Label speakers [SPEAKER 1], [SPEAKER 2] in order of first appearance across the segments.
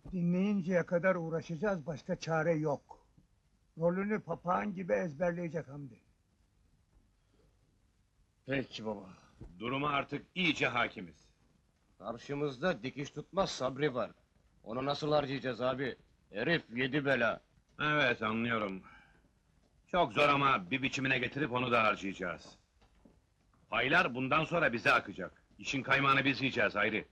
[SPEAKER 1] Dinleyinceye kadar uğraşacağız, başka çare yok. Rolünü papağan gibi ezberleyecek Hamdi.
[SPEAKER 2] Peki baba.
[SPEAKER 3] Duruma artık iyice hakimiz.
[SPEAKER 2] Karşımızda dikiş tutmaz Sabri var. Onu nasıl harcayacağız abi? Herif yedi bela.
[SPEAKER 3] Evet, anlıyorum. Çok zor ama bir biçimine getirip onu da harcayacağız. Paylar bundan sonra bize akacak. İşin kaymağını biz yiyeceğiz Hayri.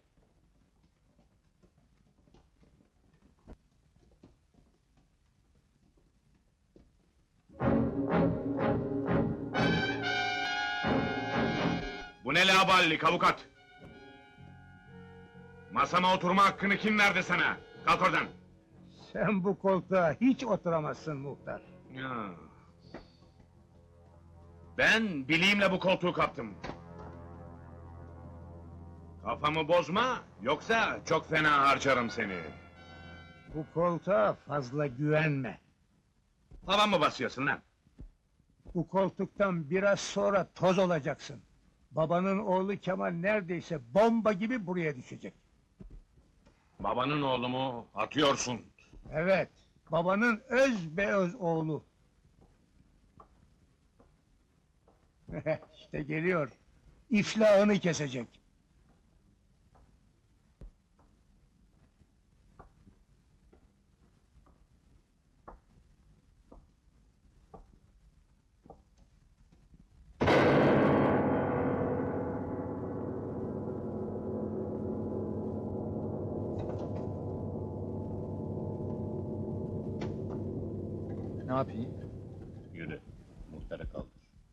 [SPEAKER 3] Bu ne laballik avukat? Masama oturma hakkını kim verdi sana? Kalk oradan!
[SPEAKER 1] Sen bu koltuğa hiç oturamazsın muhtar.
[SPEAKER 3] Ya. Ben bileğimle bu koltuğu kaptım. Kafamı bozma, yoksa çok fena harcarım seni.
[SPEAKER 1] Bu koltuğa fazla güvenme.
[SPEAKER 3] Tavan mı basıyorsun lan?
[SPEAKER 1] Bu koltuktan biraz sonra toz olacaksın. Babanın oğlu Kemal neredeyse bomba gibi buraya düşecek.
[SPEAKER 3] Babanın oğlu mu? Atıyorsun.
[SPEAKER 1] Evet, babanın öz be öz oğlu. İşte geliyor. İflahını kesecek.
[SPEAKER 2] Ne yapayım?
[SPEAKER 3] Yürü, muhtarı kaldır.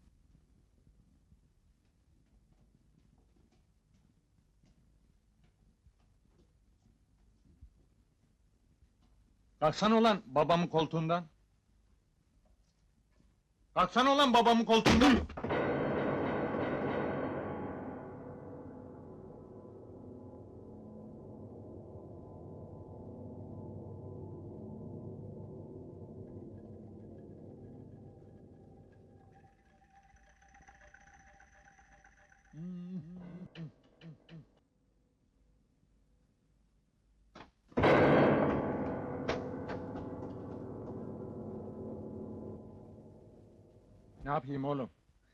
[SPEAKER 2] Kalksana ulan babamın koltuğundan. Kalksana ulan babamın koltuğundan. Ne yapayım oğlum?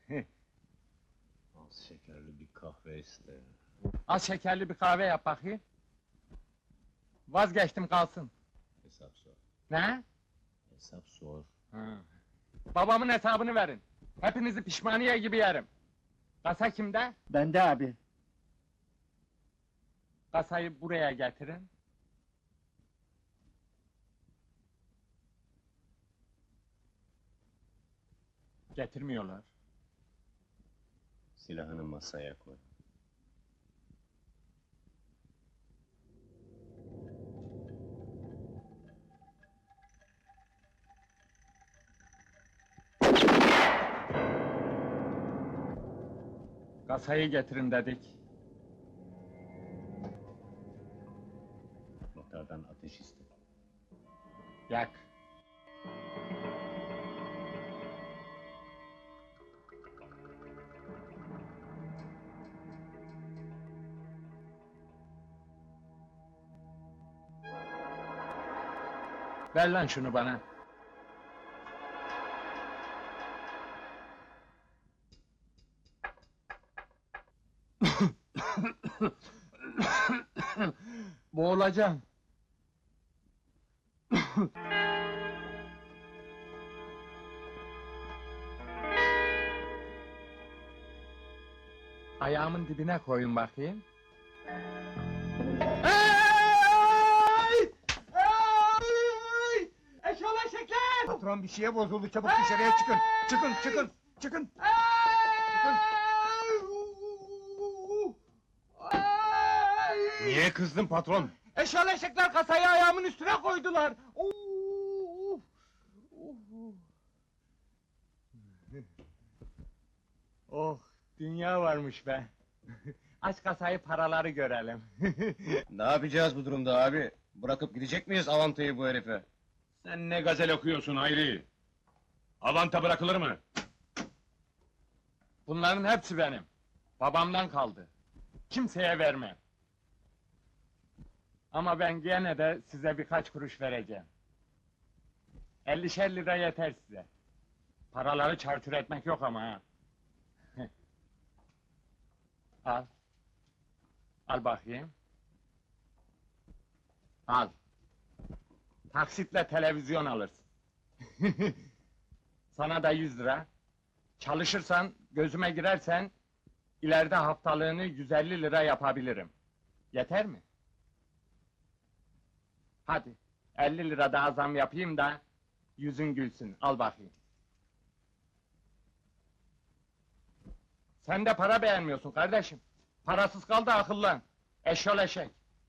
[SPEAKER 3] Az şekerli bir kahve iste.
[SPEAKER 2] Az şekerli bir kahve yap bakayım. Vazgeçtim kalsın.
[SPEAKER 3] Hesap sor.
[SPEAKER 2] Ne?
[SPEAKER 3] Hesap sor.
[SPEAKER 2] Ha. Babamın hesabını verin. Hepinizi pişmaniye gibi yerim. Kasa kimde?
[SPEAKER 4] Bende abi.
[SPEAKER 2] Kasayı buraya getirin. Getirmiyorlar.
[SPEAKER 3] Silahını masaya koy.
[SPEAKER 2] Kasayı getirin dedik.
[SPEAKER 3] Muhtardan ateş iste.
[SPEAKER 2] Yak. Ver lan şunu bana. Boğulacağım. Ayağımın dibine koyun bakayım. Eşoleşekler!
[SPEAKER 1] Patron bir şeye bozuldu, çabuk dışarıya çıkın. Çıkın, çıkın, çıkın. Çıkın.
[SPEAKER 3] Niye kızdın patron?
[SPEAKER 2] Eşoleşekler kasayı ayağımın üstüne koydular! Oh, dünya varmış be! Aç kasayı, paraları görelim.
[SPEAKER 5] Ne yapacağız bu durumda abi? Bırakıp gidecek miyiz Avantayı bu herife?
[SPEAKER 3] Sen ne gazel okuyorsun Hayri? Avanta bırakılır mı?
[SPEAKER 2] Bunların hepsi benim. Babamdan kaldı. Kimseye vermem.
[SPEAKER 4] Ama ben gene de size birkaç kuruş vereceğim. 50'şer lira yeter size. Paraları çarçur etmek yok ama ha. Al. Al bakayım. Al. Taksitle televizyon alırsın. Sana da 100 lira. Çalışırsan, gözüme girersen, ileride haftalığını 150 lira yapabilirim. Yeter mi? Hadi, 50 lira daha zam yapayım da, yüzün gülsün, al bakayım. Sen de para beğenmiyorsun kardeşim. Parasız kal da akıllan. Eşyol eşek.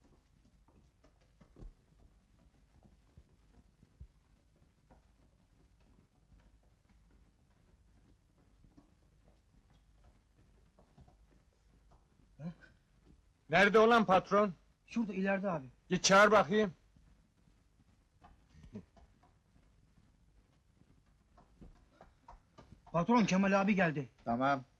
[SPEAKER 4] Nerede olan patron?
[SPEAKER 1] Şurada ileride abi.
[SPEAKER 4] Git çağır bakayım.
[SPEAKER 1] Patron Kemal abi geldi.
[SPEAKER 5] Tamam.